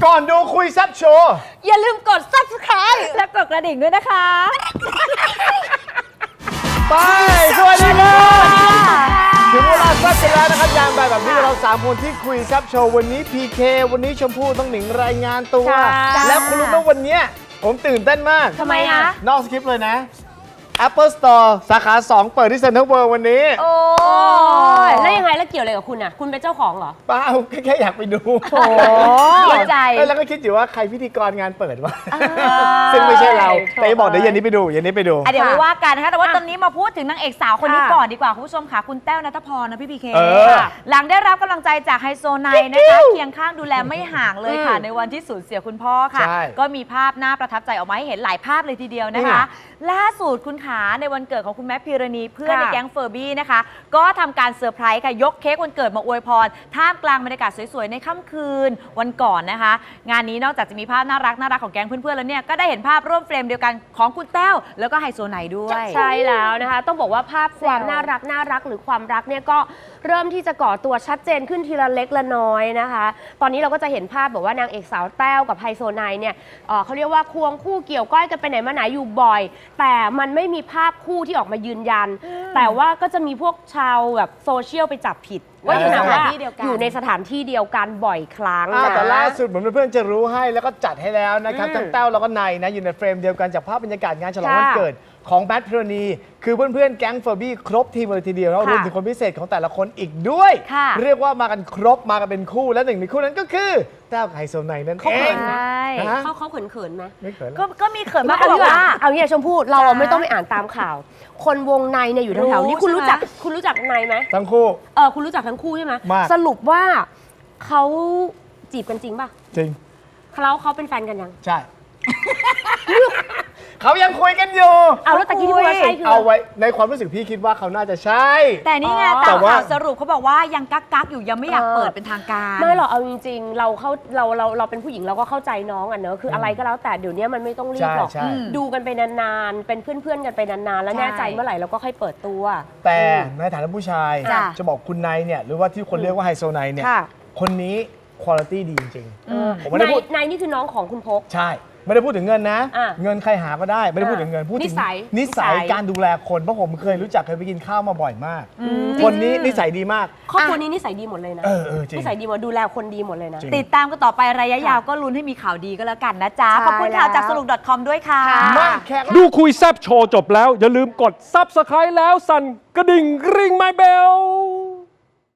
ก่อนดูคุยแซ่บโชว์อย่าลืมกด Subscribe และกดกระดิ่งด้วยนะคะไปสวัสดีครับถึงเวลาแซ่บกันแล้วนะครับยามแบบนี้เรา3คนที่คุยแซ่บโชว์วันนี้ PK วันนี้ชมพู่ต้องหนิงรายงานตัว แล้วคุณรู้ไหมวันนี้ผมตื่นเต้นมากทำไมอะนอกสคริปต์เลยนะ Apple Store สาขา 2 เปิดที่ Central World วันนี้โอ้ยแล้วยังไงแล้วเกี่ยวอะไรกับคุณอ่ะคุณเป็นเจ้าของเหรอเปล่าแค่อยากไปดูโอ้ดีใจแล้วก็คิดอยู่ว่าใครพิธีกรงานเปิดวะซึ่งไม่ใช่เราแต่บอกเดี๋ยวเย็นนี้ไปดูเย็นนี้ไปดูเดี๋ยวไม่ว่ากันนะคะแต่ว่าตอนนี้มาพูดถึงนางเอกสาวคนนี้ก่อนดีกว่าคุณผู้ชมค่ะคุณแต้วณัฐพรนะพี่พีเคหลังได้รับกำลังใจจากไฮโซไนนะคะเคียงข้างดูแลไม่ห่างเลยค่ะในวันที่สูญเสียคุณพ่อค่ะก็มีภาพน่าประทับใจออกมาให้เห็นหลายภาพเลยทีเดียวนะคะล่าสุดคุณขาในวันเกิดของคุณแม็กพิรณีเพื่อนในแก๊งเฟอร์บี้นะคะก็ทำการเซอร์ไพรส์ค่ะยกเค้กวันเกิดมาอวยพรท่ามกลางบรรยากาศสวยๆในค่ำคืนวันก่อนนะคะงานนี้นอกจากจะมีภาพน่ารักของแก๊งเพื่อนๆแล้วเนี่ยก็ได้เห็นภาพร่วมเฟรมเดียวกันของคุณแต้วแล้วก็ไฮโซไนด้วยใช่แล้วนะคะต้องบอกว่าภาพความน่ารักหรือความรักเนี่ยก็เริ่มที่จะก่อตัวชัดเจนขึ้นทีละเล็กละน้อยนะคะตอนนี้เราก็จะเห็นภาพแบบว่านางเอกสาวแต้วกับไฮโซไนเนี่ยเขาเรียกว่าควงคู่เกี่ยวก้อยกันไปไหนมาไหนอยู่บ่อยแต่มันไม่มีภาพคู่ที่ออกมายืนยันแต่ว่าก็จะมีพวกชาวแบบโซเชียลไปจับผิดว่าอยู่ในสถานที่เดียวกันอยู่ในสถานที่เดียวกันบ่อยครั้งนะแต่ล่าสุดเหมือนเพื่อนๆจะรู้ให้แล้วก็จัดให้แล้วนะครับทั้งแต้วแล้วก็ไนนะอยู่ในเฟรมเดียวกันจากภาพบรรยากาศงานฉลองวันเกิดของแบทพิรณีคือเพื่อนๆแก๊งเฟอร์บี้ครบทีมเลยทีเดียวแล้วรวมถึงคนพิเศษของแต่ละคนอีกด้วยเรียกว่ามากันครบมากันเป็นคู่และหนึ่งในคู่นั้นก็คือแต้วกับไฮโซไนนั่นเองเขาเขินไหมไม่เขินก็มีเขินมากเอาบอกว่าเอาเนี่ยชมพู่เราไม่ต้องไปอ่านตามข่าว คนวงในเนี่ยอยู่แถวๆนี้คุณรู้จักในไหมทั้งคู่คุณรู้จักทั้งคู่ใช่ไหมมากสรุปว่าเขาจีบกันจริงป่ะจริงเขาเป็นแฟนกันยังใช่ เขายังคุยกันอยู่เอาแล้วตะกี้ที่พูดว่าใช่คือเอาไว้ในความรู้สึกพี่คิดว่าเขาน่าจะใช่แต่นี่ไงแต่ตามว่าข่าวสรุปเขาบอกว่ายังกักอยู่ยังไม่อยากเปิดเป็นทางการไม่หรอกเอาจริงๆเราเป็นผู้หญิงเราก็เข้าใจน้องอ่ะเนอะคืออะไรก็แล้วแต่เดี๋ยวนี้มันไม่ต้องรีบหรอกใช่ดูกันไปนานๆเป็นเพื่อนๆกันไปนานๆแล้วแน่ใจเมื่อไหร่เราก็ค่อยเปิดตัวแต่ในฐานะผู้ชายจ้ะจะบอกคุณไนเนี่ยหรือว่าที่คนเรียกว่าไฮโซไนเนี่ยค่ะคนนี้คุณภาพดีจริงๆผมไม่ได้พูดนายนี่คือน้องของคุณพกใช่ ไม่ได้พูดถึงเงินนะอ่ะเงินใครหาก็ได้ไม่ได้พูดถึงเงินพูดถึงนิสัยการดูแลคนเพราะผมเคยรู้จักเคยไปกินข้าวมาบ่อยมาก คนนี้นิสัยดีมากครอบครัวนี้นิสัยดีหมดเลยนะจริงนิสัยดีหมดดูแลคนดีหมดเลยนะจริงติดตามกันต่อไประยะยาวก็ลุ้นให้มีข่าวดีก็แล้วกันนะจ๊ะใช่ขอบคุณข่าวจากแล้วสรุป .com ด้วยค่ะมาแขกดูคุยแซบโชว์จบแล้ว อย่าลืมกด Subscribe แล้วสั่นกระดิ่งกริ๊งไมเบล